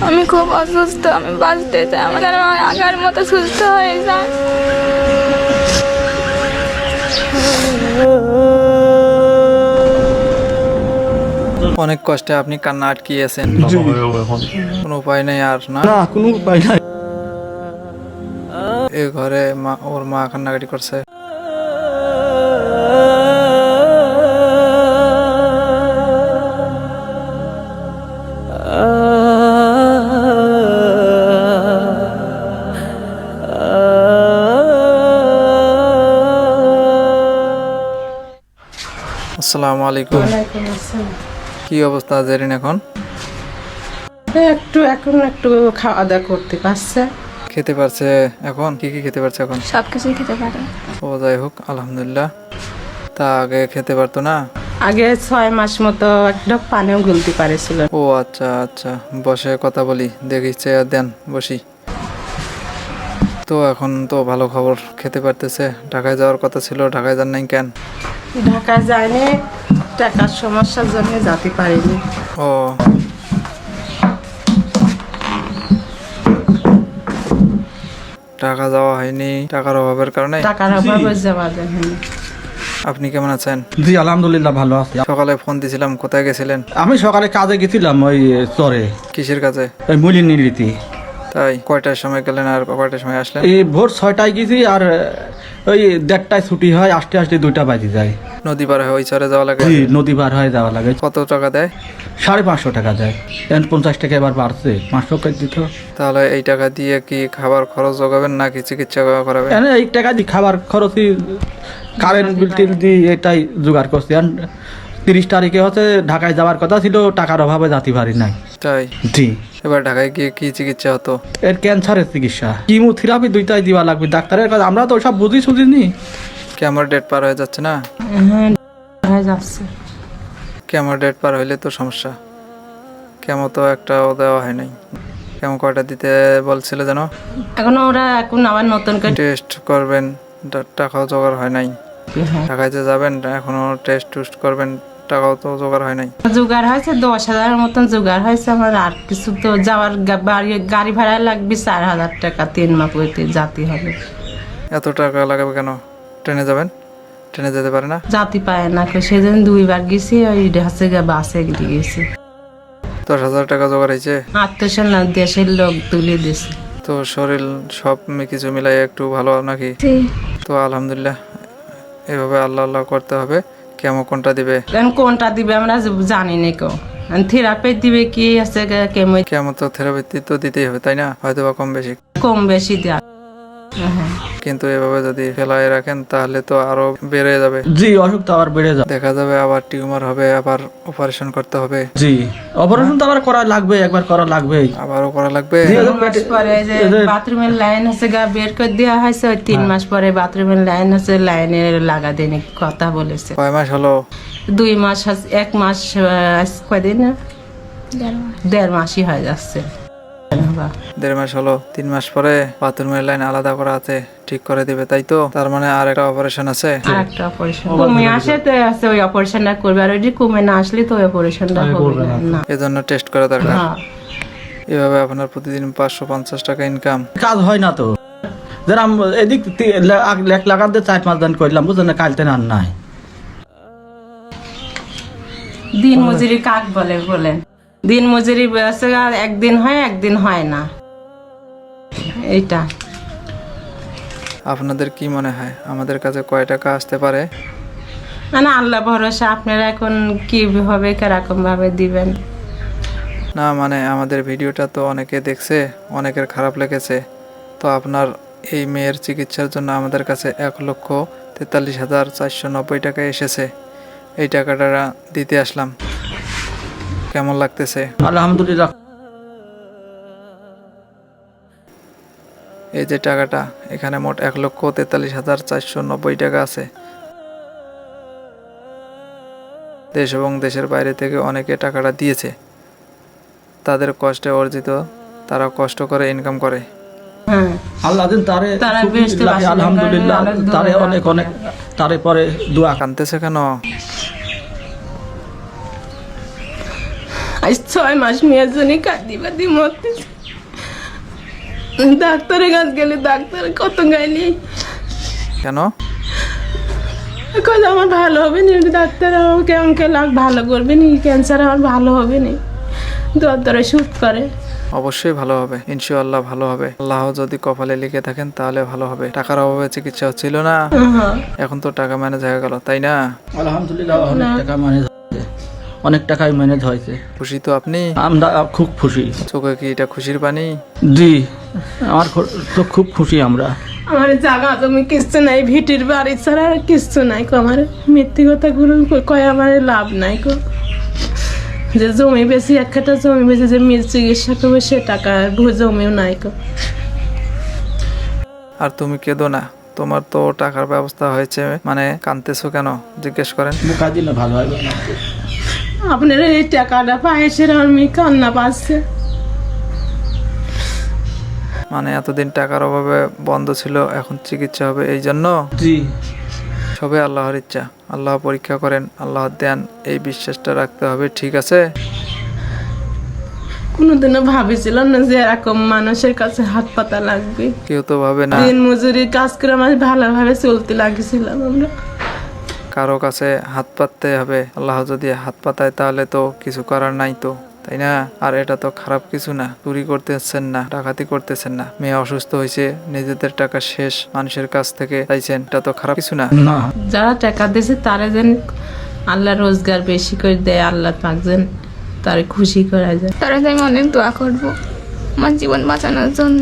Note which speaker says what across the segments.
Speaker 1: আমি খুব অসুস্থ, আমি বাঁচতে চাই, আমাদের আগের মতো সুস্থ হয়ে যায়।
Speaker 2: অনেক কষ্টে আপনি কান্না আটকিয়েছেন, কোনো উপায় নেই আর না?
Speaker 3: না, কোনো উপায় নাই।
Speaker 2: এ ঘরে ওর মা কান্নাকাটি করছে। আসসালামু আলাইকুম।
Speaker 4: ওয়ালাইকুম আসসালাম।
Speaker 2: কি অবস্থা জেরিন এখন?
Speaker 4: এখন একটু খাওয়া দাওয়া করতে পারছে।
Speaker 2: খেতে পারছে এখন? কি কি খেতে পারছে এখন?
Speaker 1: সবকিছুই খেতে পারে।
Speaker 2: ও যাই হোক, আলহামদুলিল্লাহ। তা আগে খেতে পারতো না?
Speaker 4: আগে 6 মাস মতো একটা পানিও গুলতে পারেছিল।
Speaker 2: ও আচ্ছা আচ্ছা, বসে কথা বলি, দেখি চেয়ার দেন, বসি। তো এখন তো ভালো খবর, খেতে পারতেছে। ঢাকায় যাওয়ার কথা ছিল, ঢাকায় যান নাই কেন?
Speaker 4: ঢাকায় যায়নি, টাকার সমস্যার জন্য যেতে পারিনি।
Speaker 2: ও ঢাকা যাওয়া হয়নি টাকার অভাবের কারণে?
Speaker 4: টাকার অভাবে যাওয়া যায়নি।
Speaker 2: আপনি কেমন আছেন?
Speaker 3: জি আলহামদুলিল্লাহ ভালো আছি।
Speaker 2: সকালে ফোন দিছিলাম, কোথায় গেছিলেন?
Speaker 3: আমি সকালে কাজে গেছিলাম ওই চরে,
Speaker 2: কিসের কাছে?
Speaker 3: ওই মুলি নিলিতি।
Speaker 2: তাই কয়টার সময় গেলেন আর কয়টার সময় আসলেন?
Speaker 3: এই ভোর 6টায় গেছি, আর ওই 1:30টায় ছুটি হয়, আসতে আসতে 2টা বাজে যায়।
Speaker 2: নদী পার হয়ে ওই চরে যাওয়া লাগে?
Speaker 3: জি, নদী পার হয়ে যাওয়া লাগে।
Speaker 2: কত টাকা দেয়?
Speaker 3: 550 টাকা দেয়। এখন 50 টাকা এবার বাড়ছে, 500 করে দিত।
Speaker 2: তাহলে এই টাকা দিয়ে কি খাবার খরচ জোগাবেন নাকি চিকিৎসা করাবেন?
Speaker 3: এখন এই টাকা দিয়ে খাবার খরচই, কারেন্ট বিল টিল দিয়ে এটাই জোগাড় করছি। এখন 30 তারিখে হচ্ছে ঢাকায় যাওয়ার কথা ছিল, টাকার অভাবে যেতে পারি নাই।
Speaker 2: তাই
Speaker 3: জি,
Speaker 2: এবার ঢাকায় গিয়ে কি চিকিৎসা হতো?
Speaker 3: এর ক্যান্সারের চিকিৎসা, কিমোথেরাপি 2টাই দিবা লাগবে ডাক্তারের কাছে। আমরা তো সব বুঝিনি।
Speaker 2: কেমন ডেট পার হয়ে যাচ্ছে না?
Speaker 4: হ্যাঁ, হয়ে যাচ্ছে।
Speaker 2: কেমন ডেট পার হইলে তো সমস্যা। কেমন তো একটাও দেওয়া হয় নাই। কেমন কয়টা দিতে বলছিল যেন?
Speaker 4: এখন আবার নতুন করে
Speaker 2: টেস্ট করবেন, টাকাও জোগাড় হয় নাই।
Speaker 4: হ্যাঁ।
Speaker 2: ঢাকায় যে যাবেন এখনো টেস্ট টুস্ট করবেন, টাকাও তো জোগাড় হয় নাই।
Speaker 4: জোগাড় হয়েছে 10,000 মতন জোগাড় হয়েছে আমার। আর কিছু তো যাওয়ার গাড়ি ভাড়া লাগবে 4,000 টাকা, 3 মাস পরে যেতে হবে।
Speaker 2: এত টাকা লাগাবে কেন? ট্রেনে যাবেন, ট্রেনে যেতে পারে না?
Speaker 4: জাতি পায় না, সেদিন 2বার গেছি, ওই হচ্ছে বাসে গেছি।
Speaker 2: 10,000 টাকা জোগাড় হয়েছে?
Speaker 4: আত্মীয় না, দেশের লোক তুলে দিছে।
Speaker 2: তো শরীর সব কিছু মিলাই একটু ভালো নাকি?
Speaker 1: জি।
Speaker 2: তো আলহামদুলিল্লাহ, এভাবে আল্লাহ আল্লাহ করতে হবে। কেমন কোনটা দিবে?
Speaker 4: এখন কোনটা দিবে আমরা জানি না। কেউ থেরাপি দিবে, কি আছে কেমো,
Speaker 2: কেমন তো থেরাপি তো দিতেই হবে, তাই না? হয়তো বা কম বেশি।
Speaker 4: কম বেশি দেয়। হ্যাঁ,
Speaker 2: কিন্তু এভাবে যদি ফেলায় রাখেন তাহলে তো আরো বেড়ে যাবে।
Speaker 3: জি, অসুখ তো আবার বেড়ে যায়।
Speaker 2: দেখা যাবে আবার টিউমার হবে, আবার অপারেশন করতে হবে।
Speaker 3: জি, অপারেশন তো আবার করা লাগবে, একবার করা লাগবেই।
Speaker 2: আবারও করা লাগবে।
Speaker 4: 3 মাস পরে যে বাথরুমের লাইন আছে বের করে দেওয়া হয়েছে, ওই 3 মাস পরে বাথরুমের লাইন আছে, লাইনে লাগা দেন কথা বলেছে।
Speaker 2: কয় মাস হলো?
Speaker 4: 2 মাস, 1 মাস, কয়দিন, 1.5 মাসই হয়ে যাচ্ছে।
Speaker 2: 1.5 মাস হলো। 3 মাস পরে বাথরুমের লাইন আলাদা করা আছে, ঠিক করে দিবে, তাই তো? তার মানে আর একটা অপারেশন আছে।
Speaker 4: আরেকটা অপারেশন কমে আসে তো আছে, ওই অপারেশনটা করবে। আর ওই যে কমে না আসলে তো ওই অপারেশনটা করবে না।
Speaker 2: এজন্য টেস্ট করা দরকার।
Speaker 4: হ্যাঁ,
Speaker 2: এভাবে আপনার প্রতিদিন 550 টাকা ইনকাম।
Speaker 3: কাজ হয় না তো। যারা এদিক 1 লাখ দিয়ে 4-5 দিন করলাম, বুঝলেন না, কালতে আর নাই।
Speaker 4: দিন মজুরি কাক বলেন, দিন মজুরি আছে, আর একদিন হয় একদিন হয় না। এইটা
Speaker 2: আপনাদের কি মনে হয় আমাদের কাছে কয় টাকা আসতে পারে?
Speaker 4: মানে আল্লাহ ভরসা। আপনারা এখন কিভাবে কিরকম ভাবে দিবেন?
Speaker 2: না মানে আমাদের ভিডিওটা তো অনেকে দেখছে, অনেকের খারাপ লেগেছে। তো আপনার এই মেয়ের চিকিৎসার জন্য আমাদের কাছে 1,43,490 টাকা এসেছে। এই টাকাটা দিতে আসলাম। কেমন লাগতেছে?
Speaker 3: আলহামদুলিল্লাহ।
Speaker 2: এই যে টাকাটা, এখানে মোট 1,43,490 টাকা আছে। দেশ এবং দেশের বাইরে থেকে অনেকে টাকাটা দিয়েছে। তাদের কষ্টে অর্জিত, তারা কষ্ট করে ইনকাম করে।
Speaker 4: হ্যাঁ,
Speaker 3: আল্লাহ দিন তারে
Speaker 4: তারা
Speaker 3: সুখী
Speaker 4: বেহেশতে
Speaker 3: রাখে,
Speaker 4: বাসিন্দা
Speaker 3: আলহামদুলিল্লাহ।
Speaker 4: করে, অনেক
Speaker 3: তারে
Speaker 4: দোয়া
Speaker 3: অনেক অনেক, তারে পরে দোয়া।
Speaker 2: কানতেছে কেন?
Speaker 4: আজ 6 মাস মেয়ের জন্য কাঁদি বাদি মরতেছে। ডাক্তারের কাছে গেলে ডাক্তার কত গাইলি
Speaker 2: কেন?
Speaker 4: কত আমার ভালো হবে না, ডাক্তার আমাকে আমাকে ভালো করবে নি, ক্যান্সার আমার ভালো হবে না, দরে শুট করে।
Speaker 2: অবশ্যই ভালো হবে, ইনশাআল্লাহ ভালো হবে। আল্লাহ যদি কপালে লিখে থাকেন তাহলে ভালো হবে। টাকার অভাবে চিকিৎসা হচ্ছিল না, এখন তো টাকা ম্যানেজ হয়ে গেল, তাই না?
Speaker 3: আলহামদুলিল্লাহ অনেক টাকা ম্যানেজ হয়েছে, অনেক টাকাই ম্যানেজ হয়েছে।
Speaker 2: খুশি তো আপনি?
Speaker 3: আমরা খুব খুশি।
Speaker 2: চোখে কি এটা খুশির পানি?
Speaker 3: জি, আমার তো খুব খুশি আমরা।
Speaker 4: আমার জায়গা জমি কিচ্ছু নাই, ভিটির বাড়ি ছাড়া আর কিচ্ছু নাই কো। আমার মিথ্যে কথা গুলো কয় আমার লাভ নাই কো। যে জমি বেশি এক কাঠা জমি বেশি যে মিল চিকিৎসা করবে সে টাকা জমিও নাই কো।
Speaker 2: আর তুমি কেঁদো না, তোমার তো টাকার ব্যবস্থা হয়েছে, মানে কাঁদতেছো কেন জিজ্ঞেস করেন।
Speaker 3: মুখা দিলে ভালো হবে না।
Speaker 4: আপনার এই টাকাটা পায় সেটা আমি কান্না পাচ্ছে।
Speaker 2: মানে এতদিন টাকার অভাবে বন্ধ ছিল, এখন চিকিৎসা হবে এই জন্য?
Speaker 3: জি,
Speaker 2: সবে আল্লাহর ইচ্ছা, আল্লাহ পরীক্ষা করেন, আল্লাহ দেন, এই বিশ্বাসটা রাখতে হবে, ঠিক আছে?
Speaker 4: কোনোদিনও ভাবেছিলাম না যে এরকম মানুষের কাছে হাত পাতা লাগবে।
Speaker 2: কেউ তো ভাবে না।
Speaker 4: দিন মজুরির কাজ করে আমার ভালোভাবে চলতে লাগছিলাম আমরা।
Speaker 2: কারো কাছে হাত পাততে হবে, আল্লাহ যদি হাত পাতায় তাহলে তো কিছু করার নাই তো, তাই না? আর এটা তো খারাপ কিছু না, চুরি করতেছেন না, ডাকাতি করতেছেন না, মেয়ে অসুস্থ হয়েছে নিজেদের টাকা শেষ মানুষের কাছ থেকে চাইছেন, এটা তো খারাপ কিছু না।
Speaker 3: না,
Speaker 4: যারা টাকা দিয়েছে তারা যেন আল্লাহ রোজগার বেশি করে দেয়, আল্লাহ পাক যেন তারে খুশি করা যায়।
Speaker 1: তারা আমি অনেক দোয়া করব আমার জীবন বাঁচানোর জন্য।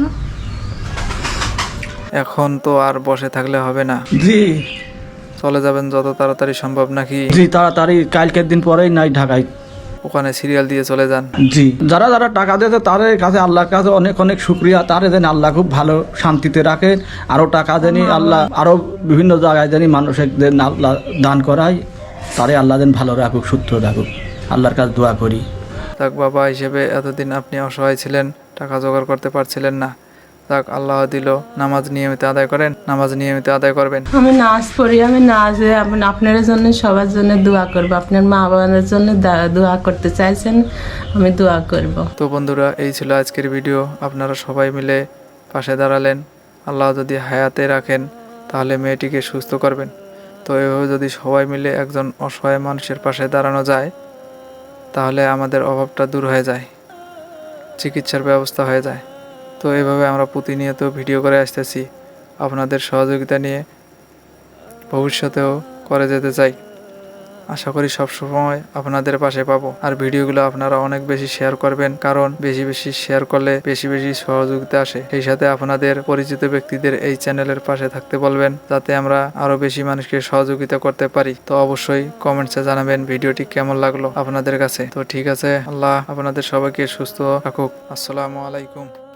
Speaker 2: এখন তো আর বসে থাকলে হবে না,
Speaker 3: জি
Speaker 2: চলে যাবেন যত তাড়াতাড়ি সম্ভব, নাকি?
Speaker 3: জি, তাড়াতাড়ি কালকের দিন পরেই নাই ঢাকায়।
Speaker 2: ওখানে সিরিয়াল দিয়ে চলে যান।
Speaker 3: জি, যারা যারা টাকা দিয়েছে তাদের কাছে আল্লাহর কাছে অনেক অনেক শুক্রিয়া। তারে যেন আল্লাহ খুব ভালো শান্তিতে রাখেন, আরও টাকা জানি আল্লাহ আরও বিভিন্ন জায়গায় জানি মানুষের যেন আল্লাহ দান করায়, তারে আল্লাহ যেন ভালো রাখুক, সুস্থ রাখুক, আল্লাহর কাছে দোয়া করি।
Speaker 2: যাক, বাবা হিসেবে এতদিন আপনি অসহায় ছিলেন, টাকা জোগাড় করতে পারছিলেন না, যাক আল্লাহ দিল। নামাজ নিয়মিত আদায় করেন, নামাজ নিয়মিত আদায় করবেন।
Speaker 4: আমি নাচ পড়ি, আমি নাচে আপনার জন্য সবার জন্য দোয়া করবো। আপনার মা বাবার জন্য দোয়া করতে চাইছেন, আমি দোয়া করব।
Speaker 2: তো বন্ধুরা, এই ছিল আজকের ভিডিও। আপনারা সবাই মিলে পাশে দাঁড়ালেন। আল্লাহ যদি হায়াতে রাখেন তাহলে মেয়েটিকে সুস্থ করবেন। তো এভাবে যদি সবাই মিলে একজন অসহায় মানুষের পাশে দাঁড়ানো যায় তাহলে আমাদের অভাবটা দূর হয়ে যায়, চিকিৎসার ব্যবস্থা হয়ে যায়। তো এভাবে আমরা প্রতিনিয়ত ভিডিও করে আসতেছি, আপনাদের সহযোগিতা নিয়ে ভবিষ্যতেও করে যেতে চাই। আশা করি সবসময় আপনাদের পাশে পাবো। আর ভিডিওগুলো আপনারা অনেক বেশি শেয়ার করবেন, কারণ বেশি বেশি শেয়ার করলে বেশি বেশি সহযোগিতা আসে। সেই সাথে আপনাদের পরিচিত ব্যক্তিদের এই চ্যানেলের পাশে থাকতে বলবেন, যাতে আমরা আরো বেশি মানুষকে সহযোগিতা করতে পারি। তো অবশ্যই কমেন্টসে জানাবেন ভিডিওটি কেমন লাগলো আপনাদের কাছে। তো ঠিক আছে, আল্লাহ আপনাদের সবাইকে সুস্থ রাখুক। আসসালামু আলাইকুম।